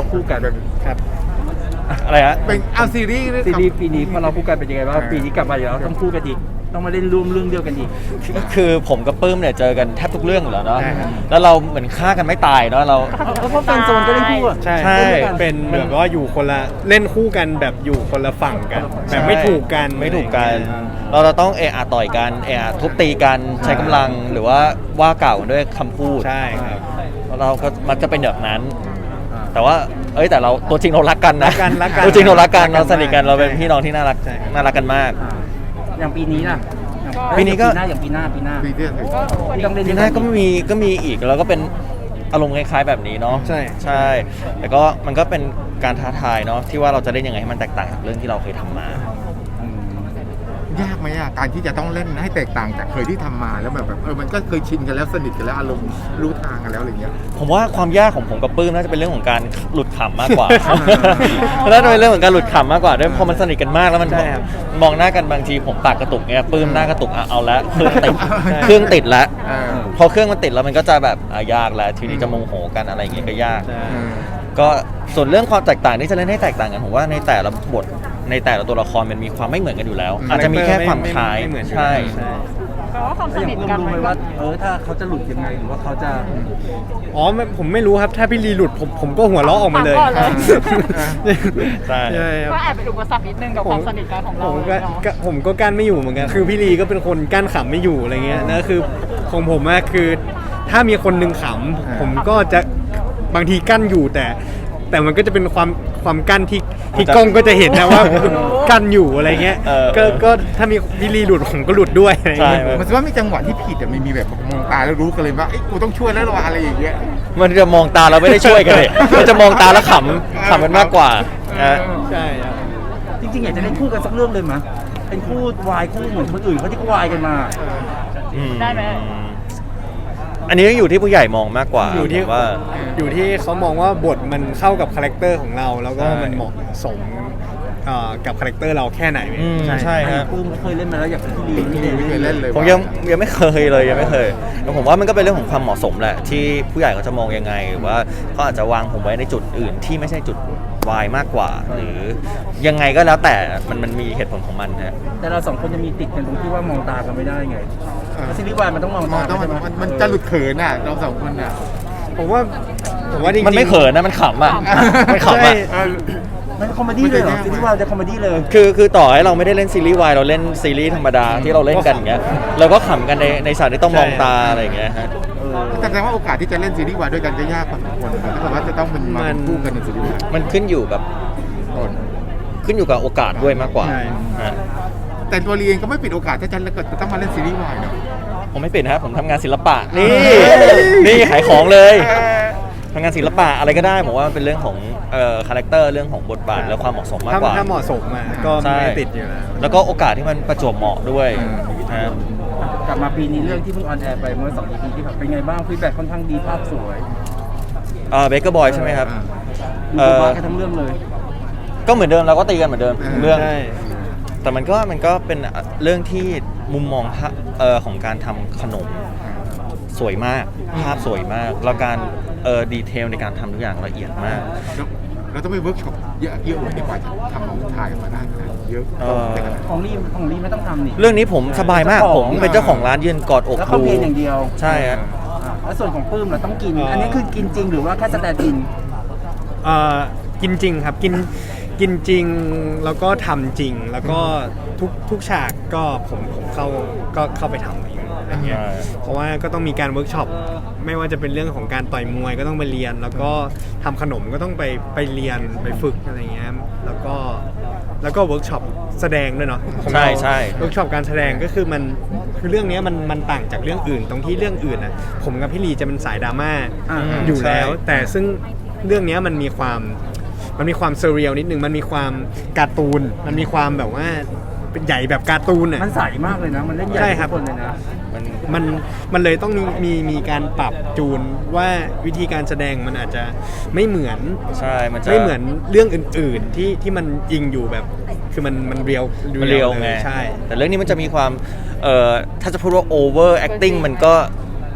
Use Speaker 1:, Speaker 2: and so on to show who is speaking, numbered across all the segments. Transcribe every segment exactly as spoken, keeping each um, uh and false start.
Speaker 1: คู่กัน
Speaker 2: ครับ
Speaker 3: อะไรฮะ
Speaker 4: เป็นเอาซีรีส์
Speaker 1: ซีรีส์ปีนี้พอเราคู่กันเป็นยังไงบ้างปีนี้กลับมาอยู่แล้วต้องคู่กันอีกต้องมาเล่นร่วมเรื่องเดียวกันอีก
Speaker 3: คือผมกับปื้มเนี่ยเจอกันแทบทุกเรื่องอยู่แล้วเนาะ
Speaker 2: ใช่ครับ
Speaker 3: แล้วเราเหมือนฆ่ากันไม่ตายเนาะเรา
Speaker 1: เพราะแฟนโซนก็เล่นคู่อะ
Speaker 2: ใช่
Speaker 3: ใช่
Speaker 2: เป็นแบบว่าอยู่คนละเล่นคู่กันแบบอยู่คนละฝั่งกัน แบบไม่ถูกกัน
Speaker 3: ไม่ถูกกัน เราจะต้องเอะอะต่อยกันเอะอะทุบตีกันใช้กำลังหรือว่าว่ากล่าวกันด้วยคำพูด
Speaker 2: ใช่ครับ
Speaker 3: เราก็มักจะเป็นแบบนั้น แต่ว่าเอ้ยแต่เราตัวจริงเรารักกันนะ
Speaker 2: รักกันรักกัน
Speaker 3: ตัวจริงเรารักกัน
Speaker 2: รักกัน
Speaker 3: เราสนิทกัน
Speaker 2: มาก
Speaker 3: เราเป็นพี่น้องที่น่ารัก
Speaker 2: ใช่ครับ
Speaker 3: น่ารักกันมาก
Speaker 1: อ่าอย่างปีนี้ล่ะ
Speaker 3: ปีนี้ก็
Speaker 1: ปีหน้าอย่างปีหน้าปีหน้า
Speaker 4: ปีที่
Speaker 1: ที่ต้องเล่น
Speaker 3: ทีหน้าก็มีก็มีอีกแล้วก็เป็นอารมณ์คล้ายๆแบบนี้เนาะ
Speaker 2: ใช่
Speaker 3: ใช่แต่ก็มันก็เป็นการท้าทายเนาะที่ว่าเราจะเล่นยังไงให้มันแตกต่างจากเรื่องที่เราเคยทำมา
Speaker 4: ยากไหมอ่ะการที่จะต้องเล่นให้แตกต่างจากเคยที่ทำมาแล้วแบบแบบเออมันก็เคยชินกันแล้วสนิทกันแล้วอารมณ์รู้ทางกันแล้วอะไรเงี้ย
Speaker 3: ผมว่าความยากของผมกับปื้มน่าจะเป็นเรื่องของการหลุดขำมากกว่า น่าจะเป็นเรื่องของการหลุดขำมากกว่าด้วยพอมันสนิทกันมากแล้วมัน
Speaker 2: ใช่ครับ
Speaker 3: มองหน้ากันบางทีผมปากกระตุกเงี้ยปื้มหน้ากระตุกอ่ะเอาละเครื่องติดเครื่องติดแล้ว
Speaker 4: เออ
Speaker 3: พอเครื่องมันติดแล้วมันก็จะแบบอ่ะยากแล้วทีนี้จะโมโหกันอะไรอย่างเงี้ยก็ยาก
Speaker 2: ใช่
Speaker 4: เออ
Speaker 3: ก็ส่วนเรื่องความแตกต่างที่จะเล่นให้แตกต่างกันผมว่าในแต่ละบทในแต่ละตัวละครมันมีความไม่เหมือนกันอยู่แล้ว อาจจะมีแค่ความคล้าย
Speaker 2: ไม่เหมือนอยู่
Speaker 3: ใช่
Speaker 2: ใช่
Speaker 5: แปลว่าความส
Speaker 1: แล้วอ
Speaker 5: นิ
Speaker 1: ย่า
Speaker 5: ท
Speaker 1: ง
Speaker 5: กั
Speaker 1: เพิ่
Speaker 5: น
Speaker 1: มรู้ไหม
Speaker 5: มันก็
Speaker 1: ว่าเออถ้าเขาจะหลุดยังไงหรือว่าเขาจะ
Speaker 2: อ๋อไม่ผมไม่รู้ครับถ้าพี่ลีหลุดผมผมก็หัวเราะออกมาเลย
Speaker 5: ก่อนเลย
Speaker 3: ใช่
Speaker 2: ใช่ครับ
Speaker 5: ก็แอบเป็นอุปสรรคนิดนึงกับความสนิทกันของ
Speaker 2: ผ
Speaker 5: เรา
Speaker 2: ม
Speaker 5: เลย
Speaker 2: ก็
Speaker 5: เนาะ
Speaker 2: ก็ผมก็กั้นไม่อยู่เหมือนกัน คือพี่ลีก็เป็นคนกั้นขำไม่อยู่อะไรเงี้ยนะคือของผมอะคือถ้ามีคนหนึ่งขำผมก็จะบางทีกั้นอยู่แต่ แต่มันก็จะเป็นความความกั้นที่ที่กล้องก็จะเห็นนะว่ากั้นอยู่อะไรเงี้ย
Speaker 3: เออ
Speaker 2: ก็ก็ถ้ามีพี่ลีหลุดผมก็หลุดด้วยอะไร
Speaker 3: ใช่
Speaker 2: เงี้ย
Speaker 4: มันแสดงว่ามีจังหวะที่ผิดแต่ไม่มีแบบมองตาแล้วรู้กันเลยว่าไอ้ยกูต้องช่วยแล้วหรออะไรอย่างเงี้ย
Speaker 3: มันจะมองตาเราไม่ได้ช่วยกันเลย มันจะมองตาแล้วขำขำมันมากกว่านะ
Speaker 2: ใช่ครับ
Speaker 1: จริงๆอยากจะเล่นคู่กันสักเรื่องเลยมั้ยเป็นคู่วายคู่เหมือนคนอื่นเขาที่เขาวายกันมา
Speaker 3: อืม
Speaker 5: ได้ไหม
Speaker 3: อันนี้อยู่ที่ผู้ใหญ่มองมากกว่า
Speaker 2: อยู่ที่
Speaker 3: ผมว่า
Speaker 2: อยู่ที่เขามองว่าบทมันเข้ากับคาแรคเตอร์ของเรา แล้วก็
Speaker 3: ใช่
Speaker 2: มันเหมาะสมเอ่อกับคาแรคเตอร์เราแค่ไหน
Speaker 3: อืมใช่
Speaker 1: อัน
Speaker 3: ฮะ
Speaker 1: นี้ปื้มเคยเล่นมาแล้วอยากเป็นพี่ลี
Speaker 4: พี่ลีไม่เคยเล่นเลย
Speaker 3: ผมยังยังไม่เคยเลยยังไม่เคยแต่ผมว่ามันก็เป็นเรื่องของความเหมาะสมแหละที่ผู้ใหญ่เขาจะมองยังไงหรือว่าเขาอาจจะวางผมไว้ในจุดอื่นที่ไม่ใช่จุดวายมากกว่า หรือยังไงก็แล้วแต่มันมันมีเหตุผลของมันฮะ
Speaker 1: แต่เราสองคนจะมีติดกันตรงที่ว่ามองตากันไม่ได้ไงแล้วซีรีส์วายมันต้องมอง
Speaker 4: มอง
Speaker 1: ตา
Speaker 4: ต้องมัน
Speaker 1: ใช่ไห
Speaker 4: มันมันจะหลุดเขินอ่ะเราสองคนอ่ะ
Speaker 2: ผมว่าผมว่าจริงๆ
Speaker 3: มันไม่เขินนะมันขำอ่ะมันขำ
Speaker 2: ใช่
Speaker 3: อ่ะ
Speaker 1: มันคอมเมดี้เลยเหรอซีรีส์วายจะคอมเมดี้เลย
Speaker 3: คือคือต่อให้เราไม่ได้เล่นซีรีส์วายเราเล่นซีรีส์ธรรมดาที่เราเล่นกันอย่างเงี้ยเราก็ขำกันในในฉากที่ต้องมองตาอะไรอย่างเงี้ยฮะ
Speaker 4: แต่แสดงว่าโอกาสที่จะเล่นซีรีส์วายด้วยกันจะยากพอสมควรถ้าเกิดว่าจะต้องเป็นมาเป็นคู่กันในซีรีส์วาย
Speaker 3: มันขึ้นอยู่กับ
Speaker 4: ก่อน
Speaker 3: ขึ้นอยู่กับโอกาสด้วยมากกว่า
Speaker 2: ใช่
Speaker 3: ฮะ
Speaker 4: แต่ตัวเรียนก็ไม่ปิดโอกาสถ้าจะจะต้องมาเล่นซีรีส์วายเนาะ
Speaker 3: ผมไม่เป็นครับผมทำงานศิลปะนี่นี่ขายของเลยทำงานศิลปะอะไรก็ได้ผมว่ามันเป็นเรื่องของเอ่อคาแรคเตอร์เรื่องของบทบาทและความเหมาะสมมาก
Speaker 2: ถ้าก
Speaker 3: ว่า
Speaker 2: ถ้าเหมาะสมอ่ะก็
Speaker 3: ใช่
Speaker 2: ไม่ติดอยู่แล้ว
Speaker 3: แล้วก็โอกาสที่มันประจวบเหมาะด้วยฮะ
Speaker 1: กลับมาปีนี้เรื่องที่เพิ่งออนแอร์ไปเมื่อสอง อี พี ที่ผ่านเป็นไงบ้างฟีดแบ็กค่อนข้างดีภาพสวย
Speaker 3: เอ่อเบเกอร์บอยใช่ไหมครับ
Speaker 1: ดู
Speaker 3: เอ่อ
Speaker 1: บ้ากันทั้งเรื่องเลย
Speaker 3: ก็เหมือนเดิมเราก็ตีกันเหมือนเดิมเรื่อง
Speaker 2: ใช่
Speaker 3: แต่มันก็มันก็เป็นเรื่องที่มุมมองภาพเอ่อของการทำขนมสวยมากภาพสวยมากแล้วการเอ่อดีเทลในการทำทุกอย่างละเอียดมาก
Speaker 4: แล้วเราต้องไปเวิร์กช็อปเยอะเยอะเลยกว่าจะทำถ่ายออกมาได้ขนาดนี้เยอะ
Speaker 3: เออ
Speaker 1: ของรีของรีไม่ต้องทำนี่
Speaker 3: เรื่องนี้ผมสบายมาก
Speaker 1: เจ้าข
Speaker 3: ผ
Speaker 1: อง
Speaker 3: มเป็นเจ้าของร้านยืนกอดอก
Speaker 1: แล้วเขา
Speaker 3: ดู
Speaker 1: เพียงอย่างเดียว
Speaker 3: ใช่ฮะ
Speaker 1: อ่าแล้วส่วนของปื้มเราต้องกิน
Speaker 2: อ๋ออั
Speaker 1: อันนี้คือกินจริงหรือว่าแค่สแตนด์อิน
Speaker 2: เอ่อกินจริงครับกินกินจริงแล้วก็ทำจริงแล้วก็ทุกทุกฉากก็ผมผมเข้าก็เข้าไปทำเองอะไรเงี้ย
Speaker 3: ใช่
Speaker 2: เพราะว่าก็ต้องมีการเวิร์กช็อปไม่ว่าจะเป็นเรื่องของการต่อยมวยก็ต้องไปเรียน แล้วก็ทำขนมก็ต้องไปไปเรียนไปฝึกอะไรเงี้ยแล้วก็แล้วก็เวิร์กช็อปแสดงด้วยเนาะของ
Speaker 3: ใช่
Speaker 2: เรา
Speaker 3: ใช่
Speaker 2: เวิร์กช็อปการแสดงก็คือมันคือเรื่องเนี้ยมันมันต่างจากเรื่องอื่น ตรงที่เรื่องอื่นอ่ะผมกับพี่ลีจะเป็นสายดราม่า
Speaker 1: อ่า
Speaker 2: อยู่แล้ว แต่ซึ่งเรื่องเนี้ยมันมีความมันมีความเซเรียลนิดนึงมันมีความการ์ตูนมันมีความแบบว่าเป็นใหญ่แบบการ์ตูนอ่ะ
Speaker 1: มันใสมากเลยนะ มันเล่นใหญ่
Speaker 2: ใช่ครับ
Speaker 1: ทุกคนเลยนะ
Speaker 3: มัน
Speaker 2: มันมันเลยต้องมีมีมีการปรับจูนว่าวิธีการแสดงมันอาจจะไม่เหมือน
Speaker 3: ใช่มันจะ
Speaker 2: ไม่เหมือนเรื่องอื่น ๆ ที่ที่มันยิงอยู่แบบคือมันมันเรียว
Speaker 3: มันเรียวไง
Speaker 2: ใช่
Speaker 3: แต่เรื่องนี้มันจะมีความเอ่อถ้าจะพูดว่า over acting มันก็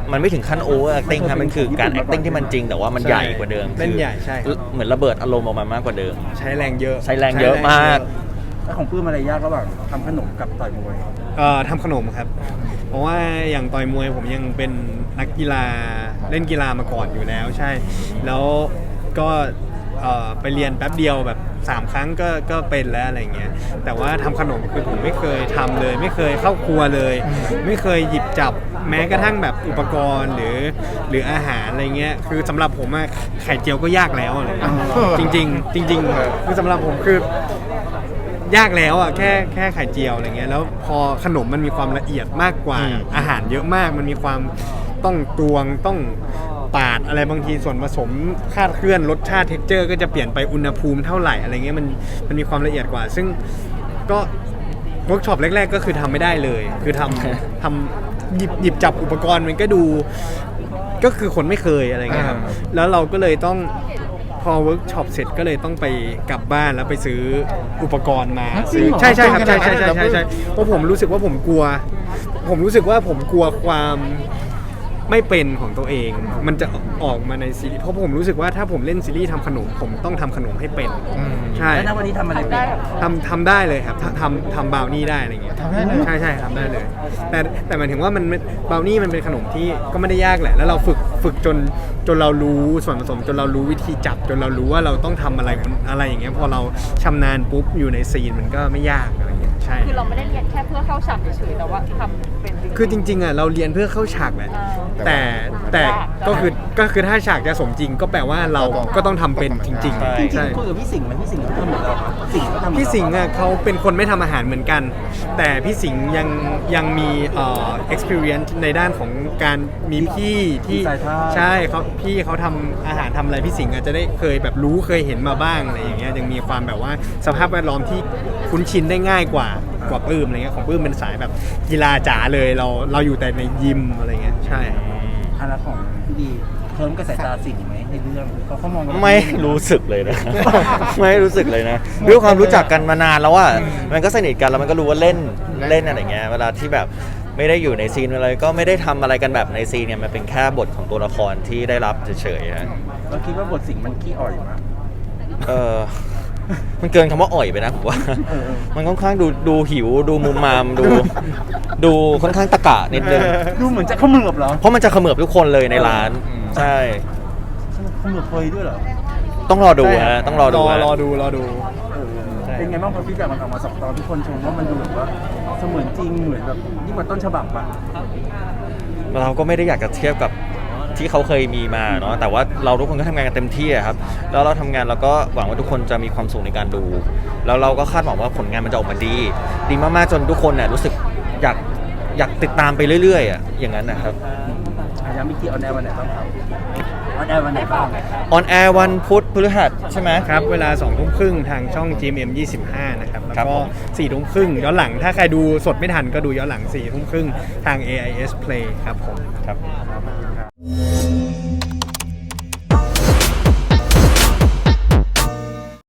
Speaker 3: มันไม่ถึงขั้นโอเวอร์แอคติ้งครับมันคือการ acting ที่มันจริงแต่ว่ามัน
Speaker 2: ใช่
Speaker 3: ใหญ่กว่าเดิม
Speaker 2: เล่นใหญ่ใช่
Speaker 3: คือเหมือนระเบิดอารมณ์ออกมามากกว่าเดิม
Speaker 2: ใช้แรงเยอะ
Speaker 3: ใช้แรงเยอะมาก
Speaker 1: แล้วของปื้มอะไรยากระหว่างทำขนมกับต่อยมวย
Speaker 2: เอ่อทำขนมครับ เพราะว่าอย่างต่อยมวยผมยังเป็นนักกีฬาเล่นกีฬามาก่อนอยู่แล้วใช่ แล้วก็เอ่อไปเรียนแป๊บเดียวแบบสามครั้งก็ก็เป็นแล้วอะไรเงี้ยแต่ว่าทำขนมคือผมไม่เคยทำเลย ไม่เคยเข้าครัวเลย ไม่เคยหยิบจับแม้กระทั่งแบบอุปกรณ์หรือหรืออาหารอะไรเงี้ยคือสำหรับผมอะไข่เจียวก็ยากแล้วอะไรเลยจริง ๆ จริงๆคือสำหรับผมคือยากแล้วอ่ะแค่แค่ไข่เจียวอะไรเงี้ยแล้วพอขนมมันมีความละเอียดมากกว่า
Speaker 3: อืม
Speaker 2: อาหารเยอะมากมันมีความต้องตวงต้องปาดอะไรบางทีส่วนผสมคาดเคลื่อนรสชาติเท็กเจอร์ก็จะเปลี่ยนไปอุณหภูมิเท่าไหร่อะไรเงี้ยมันมันมีความละเอียดกว่า ซึ่งก็เวิร์กช็อปแรกๆก็คือทำไม่ได้เลย คือทำทำหยิบหยิบจับอุปกรณ์มันก็ดูก็คือคนไม่เคยอะไรเงี้ยครับแล้วเราก็เลยต้องพอเวิร์กช็อปเสร็จก็เลยต้องไปกลับบ้านแล้วไปซื้ออุปกรณ์มา
Speaker 4: จริงเหรอ
Speaker 2: ใช่ใช่ครับใช่ใช่
Speaker 4: จริงเหรอ
Speaker 2: ใช่ใช่ใช่เพราะผมรู้สึกว่าผมกลัว ผมรู้สึกว่าผมกลัวความไม่เป็นของตัวเอง มันจะออกมาในซีรีส์เพราะผมรู้สึกว่าถ้าผมเล่นซีรีส์ทำขนมผมต้องทำขนมให้เป็น
Speaker 4: อืม
Speaker 2: ใช่
Speaker 1: แล้วณวันนี้ทำอะไรเป็น
Speaker 2: ทำทำได้เลยครับทำทำทำบราวนี่ได้อะไรเงี้ย
Speaker 4: ทำได้เลย
Speaker 2: ใช่ใช่ทำได้เลย แต่แต่หมายถึงว่ามันบราวนี่มันเป็นขนมที่ก็ไม่ได้ยากแหละ แล้วเราฝึกฝึกจนจนเรารู้ส่วนผสมจนเรารู้วิธีจับ จนเรารู้ว่าเราต้องทำอะไรอะไรอย่างเงี้ยพอเราชำนาญปุ๊บอยู่ในซีนมันก็ไม่ยากอะไรเงี้ยใช่
Speaker 5: คือเราไม่ได้เรียนแค่เพื่อเข้าฉากเฉยๆแต่ว่าทำเป็นจริงๆ
Speaker 2: คือจริงๆอ่ะเราเรียนเพื่อเข้าฉากแหละ
Speaker 5: อ่า
Speaker 2: แต่แต่ก็คือก็คือถ้าฉากจะสมจริงก็แปลว่าเราก็ต้องทำเป็นจริง
Speaker 3: ใช่
Speaker 2: ๆ
Speaker 1: จริง
Speaker 2: ใช่
Speaker 1: ๆคุยกับพี่สิงห์ไหมพี่สิงห์เขาทำเหมือนเราปะสิงห์เขาทำเหมือนเรา
Speaker 2: พี่สิงห์อ่ะเขาเป็นคนไม่ทำอาหารเหมือนกัน แต่พี่สิงห์ยังยังมีเอ่อ experience ในด้านของการมีพี่ที่
Speaker 1: สายทาน
Speaker 2: ใช่เขาพี่เขาทำอาหารทำอะไรพี่สิงห์อาจจะได้เคยแบบรู้เคยเห็นมาบ้างอะไรอย่างเงี้ยยังมีความแบบว่าสภาพแวดล้อมที่คุ้นชินได้ง่ายกว่ากว่าปื้มอะไรเงี้ยของปื้มเป็นสายแบบกีฬาจ๋าเลยเราเราอยู่แต่ในยิมอะไรเงี้ยใช่
Speaker 1: อันละของพี่ดีเพิ่มกับสายตาสิงห์ไหมในเรื่องเขาเขามองเรา
Speaker 3: ไม่รู้สึกเลยนะ ไม่รู้สึกเลยนะด้วยความรู้จักกันมานานแล้วว่ามันก็สนิทกันแล้วมันก็รู้ว่าเล่นเล่นอะไรเงี้ยเวลาที่แบบไม่ได้อยู่ในซีนอะไรก็ไม่ได้ทำอะไรกันแบบในซีนเนี่ยมันเป็นแค่บทของตัวละครที่ได้รับเฉยๆฮะ
Speaker 1: เราคิดว่าบทสิงห์มันขี้อ่อยมั้ย
Speaker 3: เออมันเกินคำว่าอ่อยไปนะผมว่า มันค่อนข้างดูดูหิวดูมุมมามดูดูค่อนข้างตะกะนิดนึง
Speaker 1: ดูเหมือนจะเขมือบเหรอ
Speaker 3: เพราะมันจะเขมือบทุกคนเลยในร้านใช่
Speaker 1: เขมือบเพยด้วยเหรอ
Speaker 3: ต้องรอดูฮะต้องรอดู
Speaker 2: รอ
Speaker 3: ฮะ
Speaker 2: รอดูรอดู
Speaker 1: เออ
Speaker 2: ใช่
Speaker 1: เป็นไงบ้างพอฟีดแบ็กมันออกมาสองตอนทุกคนชมว่ามันดูแบบว่าเสมือนจริงเหมือนแบบยิ่งกว่าต้นฉบับอะ
Speaker 3: เราก็ไม่ได้อยากจะเทียบกับที่เขาเคยมีมาเนาะแต่ว่าเราทุกคนก็ทำงานกันเต็มที่อะครับแล้วเราทำงานเราก็หวังว่าทุกคนจะมีความสุขในการดู แล้วเราก็คาดหวังว่าผลงานมันจะออกมาดี ดีมากๆจนทุกคนเนี่ยรู้สึกอยากอยากติดตามไปเรื่อยๆอ่ะอย่างนั้นนะครับ
Speaker 1: อาย้ำอีกทีออนแอร์วันไหนบ้างครับออนแอร์วันไหนบ้าง
Speaker 3: ออนแอร์วันพุธพฤหัสใช่ไหม
Speaker 2: ครับเวลาสองทุ่มครึ่งทางช่อง จี เอ็ม เอ็ม ยี่สิบห้านะครับแล้ว
Speaker 3: ครับ
Speaker 2: ก็
Speaker 3: ผม
Speaker 2: สี่ทุ่มครึ่งย้อนหลังถ้าใครดูสดไม่ทันก็ดูย้อนหลังสี่ทุ่มครึ่งทาง เอ ไอ เอส Play ครับผม
Speaker 3: ครับ